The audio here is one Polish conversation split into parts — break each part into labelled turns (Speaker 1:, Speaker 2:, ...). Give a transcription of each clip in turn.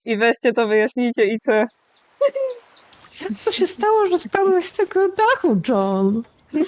Speaker 1: i weźcie to wyjaśnijcie i co.
Speaker 2: Jak to się stało, że spadłeś z tego dachu, John?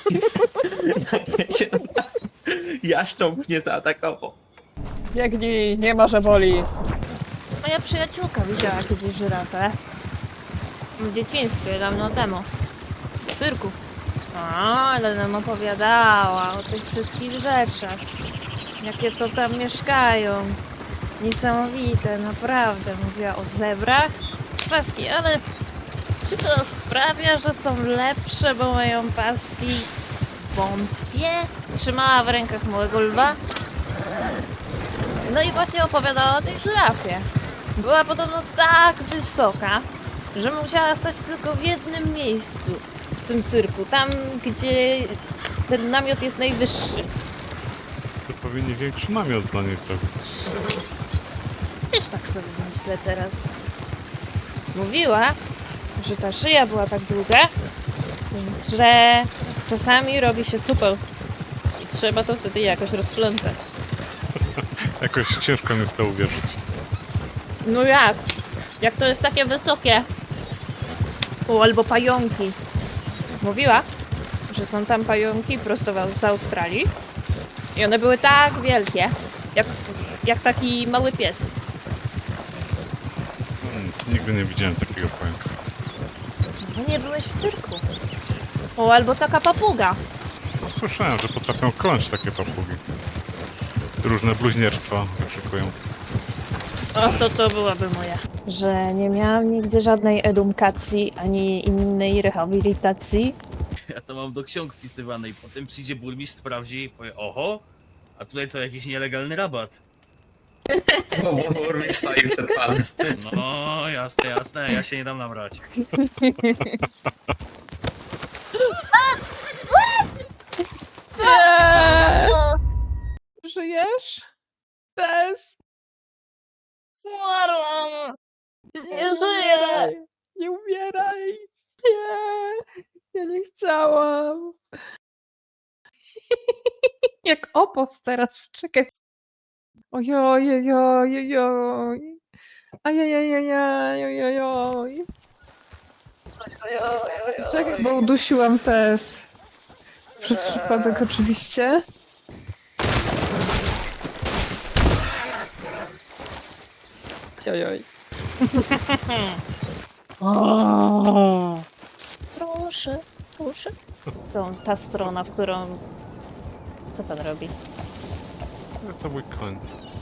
Speaker 3: Jaszcząb mnie zaatakował.
Speaker 1: Biegnij, nie ma, że boli.
Speaker 4: Moja przyjaciółka widziała kiedyś żyrafę. W dzieciństwie, dawno temu. W cyrku. Ale nam opowiadała o tych wszystkich rzeczach. Jakie to tam mieszkają. Niesamowite, naprawdę. Mówiła o zebrach. Paski, ale czy to sprawia, że są lepsze, bo mają paski? Wątpię. Trzymała w rękach małego lwa. No i właśnie opowiadała o tej żyrafie. Była podobno tak wysoka, że musiała stać tylko w jednym miejscu w tym cyrku, tam gdzie ten namiot jest najwyższy.
Speaker 5: To powinni większy namiot dla niej zrobić.
Speaker 4: Też tak sobie myślę teraz. Mówiła, że ta szyja była tak długa, że czasami robi się super i trzeba to wtedy jakoś rozplątać.
Speaker 5: Jakoś ciężko mi w to uwierzyć.
Speaker 4: No jak? Jak to jest takie wysokie? O, albo pająki. Mówiła, że są tam pająki prosto z Australii i one były tak wielkie, jak taki mały pies.
Speaker 5: Nigdy nie widziałem takiego pająka.
Speaker 4: No nie byłeś w cyrku. O, albo taka papuga.
Speaker 5: No, słyszałem, że potrafią kląć takie papugi. Różne bluźnierstwa wykrzykują.
Speaker 4: O, to byłaby moja. Że nie miałam nigdy żadnej edukacji, ani innej rehabilitacji.
Speaker 3: Ja to mam do ksiąg wpisywanej. Potem przyjdzie burmistrz, sprawdzi i powie: oho, a tutaj to jakiś nielegalny rabat.
Speaker 6: Bo burmistrz stoi przed fanem.
Speaker 3: No, jasne, jasne, ja się nie dam nabrać.
Speaker 2: Żyjesz? Tess?
Speaker 4: Umarłam!
Speaker 2: Nie
Speaker 4: żyję.
Speaker 2: Nie umieraj! Nie! Ja nie chciałam! Jak opos teraz, czekaj. Ojojojojojoj. Ajajajajajojojoj. Czekaj, bo udusiłam Tess. Przez przypadek oczywiście.
Speaker 1: Ojoj.
Speaker 4: Proszę, proszę. Ta strona, w którą... Co pan robi?
Speaker 5: To mój koń.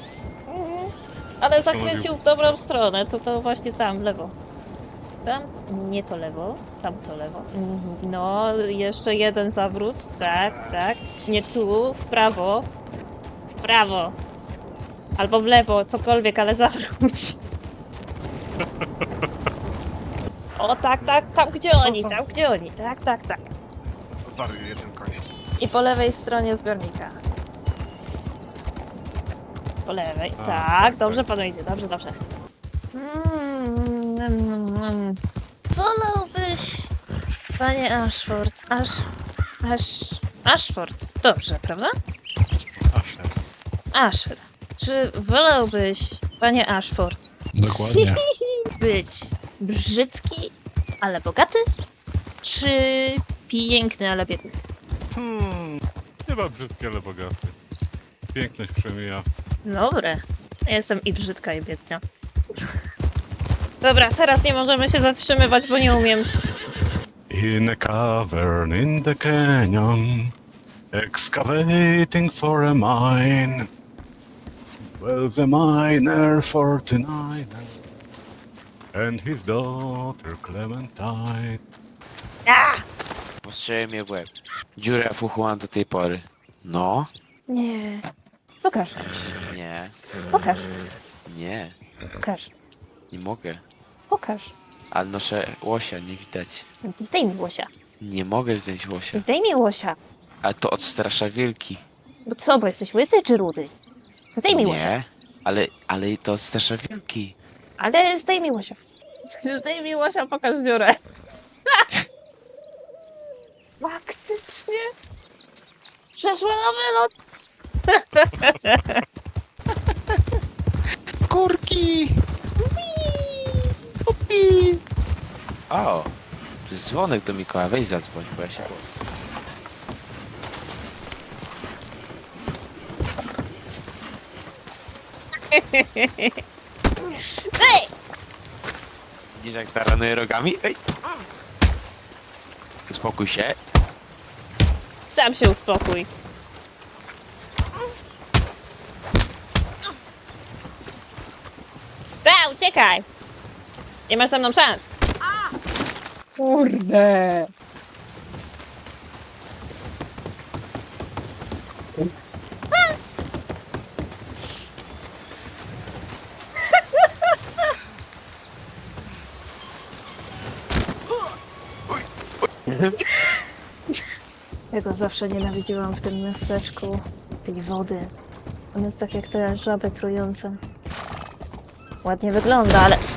Speaker 4: Ale zakręcił w dobrą stronę, to właśnie tam, w lewo. Tam? Nie to lewo, tam to lewo. No, jeszcze jeden zawrót, tak, tak. Nie tu, w prawo. W prawo. Albo w lewo, cokolwiek, ale zawróć. O, tak, tak, tam gdzie oni, tak, tak, tak.
Speaker 5: Wariuje ten koń.
Speaker 4: I po lewej stronie zbiornika. Po lewej, tak, dobrze panu idzie, dobrze, dobrze. Wolałbyś, panie Ashford, Ashford, dobrze, prawda?
Speaker 5: Asher.
Speaker 4: Asher, czy wolałbyś, panie Ashford,
Speaker 5: Dokładnie.
Speaker 4: być brzydki, ale bogaty, czy piękny, ale biedny?
Speaker 5: Chyba brzydki, ale bogaty. Piękność przemija.
Speaker 4: Dobre. Ja jestem i brzydka, i biedna. Dobra, teraz nie możemy się zatrzymywać, bo nie umiem.
Speaker 5: In a cavern in the canyon, excavating for a mine. Well, the miner 49 and his daughter Clementine.
Speaker 7: Postrzelił mnie w łeb. Dziurę w uchu mam do tej pory. No?
Speaker 4: Nie. Pokaż,
Speaker 7: Nie.
Speaker 4: pokaż,
Speaker 7: Nie.
Speaker 4: pokaż,
Speaker 7: Nie mogę.
Speaker 4: pokaż.
Speaker 7: Ale noszę łosia, nie widać.
Speaker 4: Zdejmij łosia.
Speaker 7: Nie mogę zdjąć łosia.
Speaker 4: Zdejmij łosia.
Speaker 7: Ale to odstrasza wilki.
Speaker 4: Bo co, bo jesteś łysy czy rudy? Zdejmij łosia.
Speaker 7: Nie. Ale to odstrasza wilki.
Speaker 4: Ale zdejmij łosia. Zdejmij łosia, pokaż dziurę. Faktycznie. Przeszła na wylot.
Speaker 7: Skórki!
Speaker 4: Wii.
Speaker 7: O! To jest dzwonek do Mikołaja, weź zadzwoń, bo ja się boję. Widzisz jak taranuje rogami? Ej! Uspokój się.
Speaker 4: Sam się uspokój. Uciekaj! Nie masz ze mną szans.
Speaker 1: Kurde.
Speaker 4: Ja go zawsze nienawidziłam w tym miasteczku. Tej wody. On jest tak jak te żaby trujące. Ładnie wygląda, ale